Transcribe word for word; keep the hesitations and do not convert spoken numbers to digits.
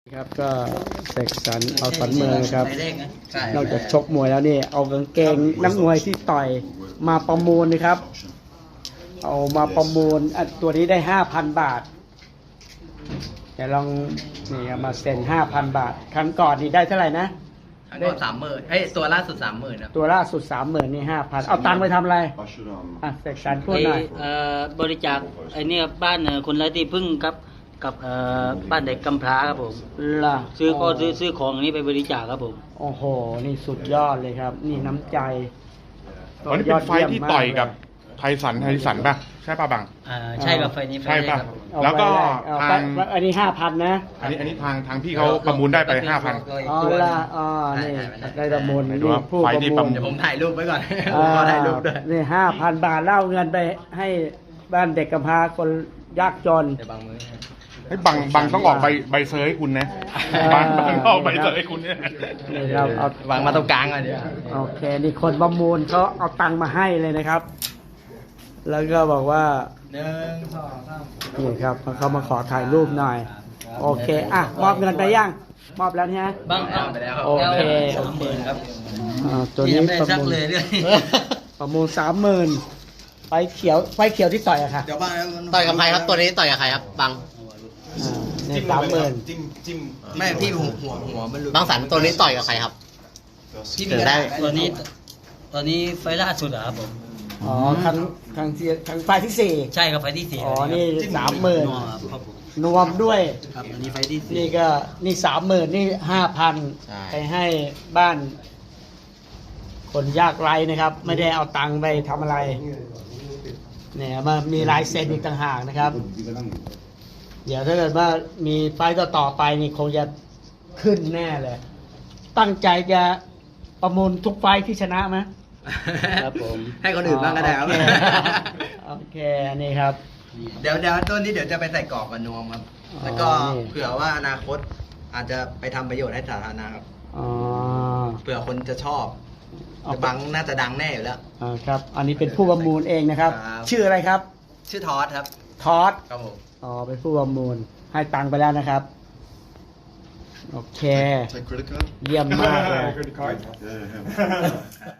ครับก็เสกสรรเอาสันเมืองครับนอกจากชกมวยแล้วนี่เอากางเกงนักมวยที่ต่อยมาประมูลนะครับเอามาประมูลอันตัวนี้ได้ห้าพันบาทเดี๋ยวลองนี่เอามาเซ็นห้าพันบาทครั้งก่อนนี่ได้เท่าไหร่นะครั้งก่อนสามหมื่นเฮ้ยตัวล่าสุดสามหมื่นนะตัวล่าสุดสามหมื่นนี่ห้าพันเอาตังค์ไปทำอะไรอ่ะเสกสรรพูดหน่อยเอ่อบริจาคไอ้นี่บ้านคนไร้ที่พึ่งครับกับเอ่อบ้านเด็กกำพร้าครับผมล่ะซื้อก็ซื้อซื้อของอันนี้ไปบริจาคครับผมโอ้โหนี่สุดยอดเลยครับนี่น้ำใจวันนี้เป็นไฟที่ต่อยกับไทสันไทสันป่ะใช่ป่ะบังอ่าใช่กับไฟนี้ไฟใช่นี้ป่ะครับแล้วก็ทางอันนี้ห้าพันนะอันนี้อันนี้ทางทางพี่เขาประมูลได้ไปห้าพันอ๋อละอ๋อนี่ได้ประมูลนี่ผู้ประมูลเดี๋ยวผมถ่ายรูปไว้ก่อนอ่าขอถ่ายรูปด้วยนี่ห้าพันบาทเล่าเงินไปให้บ้านเด็กกำพร้าคนยากจนเดี๋ยวบังมือให้บังบังต้องออกใบใบเซอร์ให้คุณนะบังบังออกใบเซอร์ให้คุณเนี่ยนี่ครับเอาวางมาตรงกลางอ่ะเดี๋ยวโอเคนี่คนประมูลเขาเอาตังค์มาให้เลยนะครับ แล้วก็บอกว่าหนึ่งสองสามนี่ครับเขามาขอถ่ายรูปหน่อยโอเคอ่ะมอบเงินไปยังมอบแล้วใช่ไหมบ้างครับไปแล้วครับโอเคสามหมื่นครับอ่าตัวนี้ประมูลประมูลสามหมื่นไฟเขียวไฟเขียวที่ต่อยอะค่ะต่อยกับใครครับตัวนี้ต่อยกับใครครับบังอ่าเนี่ยสามหมื่นไม่พี่หัวหัวหัวมันหลุดบังสันตัวนี้ต่อยกับใครครับที่ถึงได้ตัวนี้ตัวนี้ไฟล่าสุดเหรอครับผมอ๋อครั้งครั้งที่ครั้งไฟที่สี่ใช่ครับไฟที่สี่อ๋อนี่สามหมื่นครับผมรวมด้วยครับอันนี้ไฟที่สี่นี่ก็นี่สามหมื่นนี่ห้าพันไปให้บ้าน คนยากไร้นะครับ ไม่ได้เอาตังค์ไปทำอะไรเนี่ยมามีลายเซ็นอีกต่างหากนะครับ เดี๋ยวถ้าเกิดว่ามีไฟต์ต่อๆไปนี่คงจะขึ้นแน่เลย ตั้งใจจะประมูลทุกไฟต์ที่ชนะไหมครับผมให้คนอื่นบ้างก็ได้ครับโอเคโอเคอันนี้ครับเดี๋ยวเดี๋ยวต้นนี้เดี๋ยวจะไปใส่กรอบกับนวมครับ แล้วก็อ๋อนี่เผื่อว่าอนาคตอาจจะไปทำประโยชน์ให้สาธารณะครับอ๋อเผื่อคนจะชอบเอาแต่บังน่าจะดังแน่อยู่แล้วอ่าครับ อันนี้เป็นผู้ประมูลเองนะครับครับชื่ออะไรครับชื่อทอสครับทอสครับผมอ๋อเป็นผู้ประมูลให้ตังค์ไปแล้วนะครับ โอเค Take credit card? เยี่ยมมากเลย Yeah, yeah.